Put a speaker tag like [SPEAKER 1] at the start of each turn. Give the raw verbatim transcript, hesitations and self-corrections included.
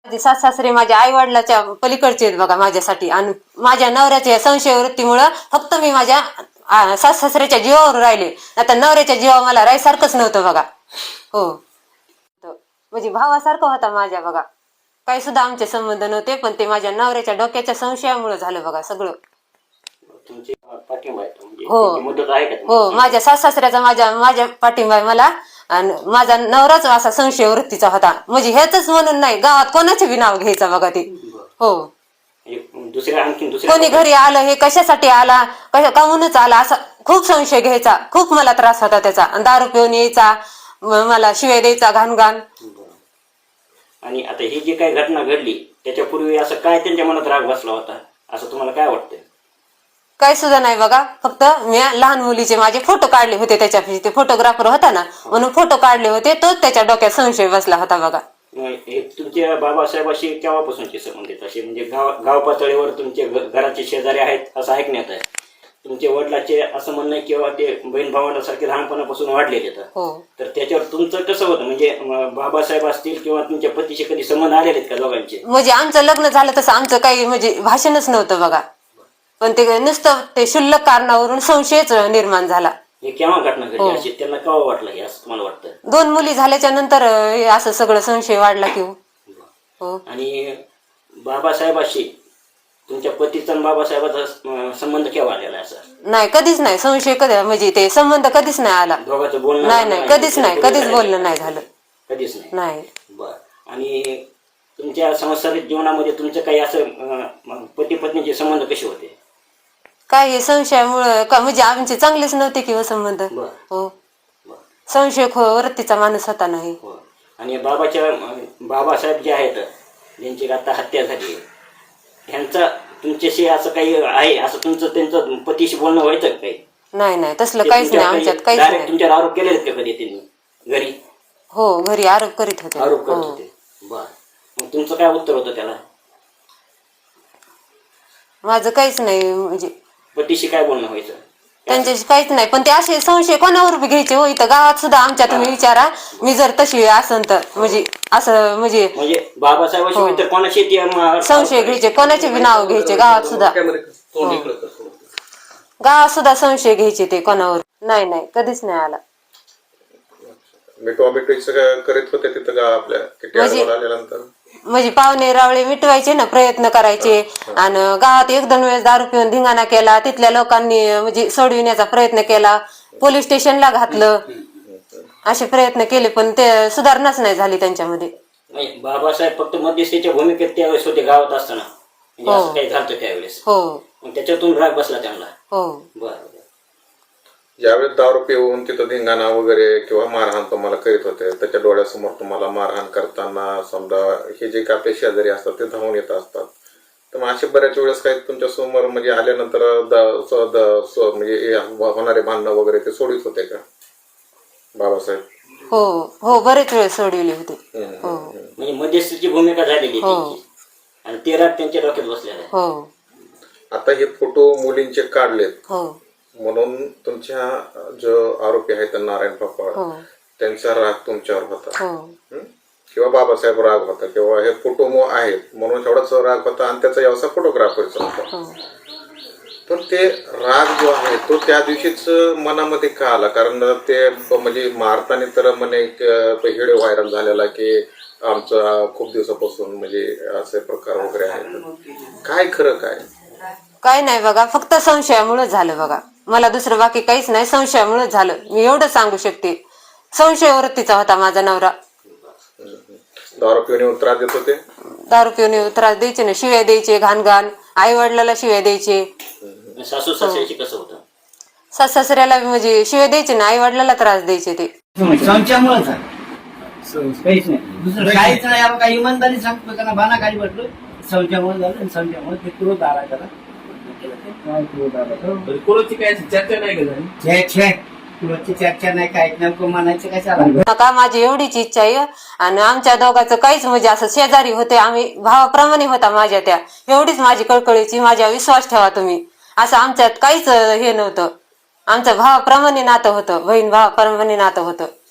[SPEAKER 1] माझे सास सासरे माझ्या आई वडिलाच्या पलीकडचे आहेत बघा माझ्यासाठी. आणि माझ्या नवऱ्याच्या संशय वृत्तीमुळं फक्त मी माझ्या सास सासऱ्याच्या जीवावर राहिले. आता नवऱ्याच्या जीवावर मला राहायसारखंच नव्हतं बघा. हो, म्हणजे भावासारखं होता माझ्या बघा. काही सुद्धा आमचे संबंध नव्हते, पण ते माझ्या नवऱ्याच्या डोक्याच्या संशयामुळे झालं बघा सगळं. हो हो, माझ्या सास सासऱ्याचा माझ्या माझ्या पाठिंबा आहे मला. आणि माझा नवराच असा संशय वृत्तीचा होता. म्हणजे ह्याच म्हणून नाही, गावात कोणाचे बी नाव घ्यायचं बघा ते. हो,
[SPEAKER 2] दुसऱ्या आणखी
[SPEAKER 1] कोणी घरी आलं हे कशासाठी आला, कशा काहूनच आला असा खूप संशय घ्यायचा. खूप मला त्रास होता त्याचा. दारू पिऊन यायचा, मला शिवाय द्यायचा घाण घाण.
[SPEAKER 2] आणि आता ही जी काही घटना घडली त्याच्यापूर्वी असं काय त्यांच्या मनात राग बसला होता असं तुम्हाला काय वाटतं?
[SPEAKER 1] काही सुद्धा नाही बघा. फक्त मी लहान मुलीचे माझे फोटो काढले होते, त्याच्या ते फोटोग्राफर होता ना म्हणून फोटो काढले होते, तोच त्याच्या डोक्यात संशय बसला होता बघा.
[SPEAKER 2] हे तुमच्या बाबासाहेबाशी केव्हापासूनचे संबंध आहेत असे? म्हणजे गाव गाव पातळीवर तुमचे घराचे शेजारी आहेत असं ऐकण्यात आहे. तुमच्या वडिलाचे असं म्हणणं किंवा ते बहीण भावांसारखे लहानपणापासून वाढलेले आहेत. तर त्याच्यावर तुमचं कसं होतं? म्हणजे बाबासाहेब असतील किंवा तुमच्या पतीशी कधी संबंध आलेले आहेत का दोघांचे?
[SPEAKER 1] म्हणजे आमचं लग्न झालं तसं आमचं काही म्हणजे भाषणच नव्हतं बघा. पण ते नुसतं ते क्षुल्लक कारणावरून संशयच निर्माण झाला.
[SPEAKER 2] हे केव्हा घटना घडली अशी त्यांना केव्हा वाटलं हे असं तुम्हाला वाटतं?
[SPEAKER 1] दोन मुली झाल्याच्या नंतर असं सगळं संशय वाढला की हो.
[SPEAKER 2] आणि बाबासाहेबाशी तुमच्या पतीचा आणि बाबासाहेबाचा संबंध केव्हा आलेला असा?
[SPEAKER 1] नाही, कधीच नाही. संशय कधी म्हणजे ते संबंध कधीच नाही आला.
[SPEAKER 2] दोघांचं बोलणं
[SPEAKER 1] नाही नाही कधीच नाही, कधीच बोलणं नाही झालं.
[SPEAKER 2] कधीच नाही
[SPEAKER 1] नाही.
[SPEAKER 2] बर. आणि तुमच्या सांसारिक जीवनामध्ये तुमचं काही असं पती पत्नीचे संबंध कसे होते?
[SPEAKER 1] काय हे संशयामुळं म्हणजे आमचे चांगलेच नव्हते किंवा संबंध. हो, संशय वृत्तीचा माणूस होता नाही.
[SPEAKER 2] आणि बाबाच्या बाबासाहेब जे आहेत ज्यांची आता हत्या झाली ह्यांचा तुमच्याशी असं काही आहे असं तुमचं त्यांचं पतीशी बोलणं व्हायचं काही?
[SPEAKER 1] नाही नाही, तसलं काहीच नाही आमच्यात. काहीच नाही.
[SPEAKER 2] तुमच्यावर आरोप केले का कधी त्यांनी घरी?
[SPEAKER 1] हो, घरी आरोप करीत होते.
[SPEAKER 2] आरोप करत होते. बर. मग तुमचं काय उत्तर होतं त्याला?
[SPEAKER 1] माझं काहीच नाही. म्हणजे
[SPEAKER 2] पतीशी काय बोलणं व्हायचं?
[SPEAKER 1] त्यांच्याशी काहीच नाही. पण ते असे संशय कोणावर बी घ्यायचे हो. इथं गावात सुद्धा आमच्या तुम्ही विचारा, मी जर तशी असन तर म्हणजे असं म्हणजे
[SPEAKER 2] म्हणजे बाबासाहेबाशी इतर कोणाशी
[SPEAKER 1] संशय घ्यायचे, कोणाचे बी नाव घ्यायचे गावात सुद्धा. गावात सुद्धा संशय घ्यायचे ते कोणावर. नाही नाही, कधीच नाही आला.
[SPEAKER 3] करीत होते तिथं आपल्या
[SPEAKER 1] म्हणजे पाहुणे रावळे मिटवायचे ना, प्रयत्न करायचे. आणि गावात एक दोन वेळेस दारू पिऊन धिंगाणा केला, तिथल्या लोकांनी म्हणजे सोडविण्याचा प्रयत्न केला, पोलीस स्टेशनला घातलं, असे प्रयत्न केले, पण ते सुधारणाच नाही झाली त्यांच्यामध्ये.
[SPEAKER 2] बाबासाहेब फक्त मध्यस्थीच्या भूमिकेत त्यावेळेस होते गावात असताना, असं काही झालं त्यावेळेस.
[SPEAKER 1] हो,
[SPEAKER 2] त्याच्यातून राग बसला त्यांना.
[SPEAKER 1] हो.
[SPEAKER 2] बरं.
[SPEAKER 3] ज्यावेळेस दारू पिऊन तिथं धिंगाणा वगैरे किंवा मारहाण तुम्हाला करीत होते, त्याच्या डोळ्यासमोर तुम्हाला मारहाण करताना समजा हे जे काही आपले शेजारी असतात ते धावून येत असतात, तर मग असे बऱ्याच वेळेस काही तुमच्या समोर म्हणजे आल्यानंतर म्हणजे होणारे भांडणं वगैरे ते सोडित होते का बाबासाहेब?
[SPEAKER 1] हो हो, बरेच वेळ सोडविले होते. हो,
[SPEAKER 2] म्हणजे मध्यस्थीची भूमिका झालेली आणि ते राग त्यांच्या डोक्यात बसलेला आहे.
[SPEAKER 1] हो.
[SPEAKER 3] आता हे फोटो मुलींचे काढलेत.
[SPEAKER 1] हो,
[SPEAKER 3] म्हणून तुमच्या जो आरोपी आहेत नारायण पापा त्यांचा राग तुमच्यावर होता किंवा बाबासाहेब राग होता किंवा हे फोटो आहेत म्हणून एवढाच राग होता आणि त्याचा व्यवसाय फोटोग्राफरचा होता. पण ते राग जो आहे तो त्या दिवशीच मनामध्ये का आला? कारण ते म्हणजे मारताना तर म्हणे व्हिडिओ व्हायरल झालेला की आमचा खूप दिवसापासून म्हणजे असे प्रकार वगैरे आहेत. काय खरं काय?
[SPEAKER 1] काय नाही बघा, फक्त संशयामुळे झालं बघा. मला दुसरं बाकी काहीच नाही, संशयामुळे झालं. मी एवढं सांगू शकते. संशय वृत्तीचा होता माझा नवरा.
[SPEAKER 3] दारू पिऊन त्रास देत होते?
[SPEAKER 1] दारू पिऊन त्रास द्यायचे ना, शिव्या द्यायचे घाण घाण, आई वडिलाला शिव्या द्यायचे.
[SPEAKER 2] सासू सासऱ्याशी कसं होतं?
[SPEAKER 1] सास सासऱ्याला म्हणजे शिव्या द्यायचे ना, आई वडिलाला त्रास द्यायचे ते.
[SPEAKER 4] संशयामुळे काहीच नाही, दुसरं काहीच नाही. आपण काही इमानदारी सांगतो त्यांना बाना काही म्हटलं, संशयामुळे झालं आणि संशयामुळे ते क्रोध आला त्याला.
[SPEAKER 5] कोणाची काय चर्चा नाही का झाली?
[SPEAKER 4] कुणाची चर्चा नाही, काय नेमकं म्हणायचं काय चाललं
[SPEAKER 1] नका. माझी एवढीच इच्छा आहे. आणि आमच्या दोघांचं काहीच म्हणजे असं शेजारी होते आम्ही, भावाप्रमाणे होता माझ्या त्या. एवढीच माझी कळकळीची, माझ्या विश्वास ठेवा तुम्ही. असं आमच्यात काहीच हे नव्हतं. आमचं भावाप्रमाणे नातं होतं, बहीण भावाप्रमाणे नातं होतं.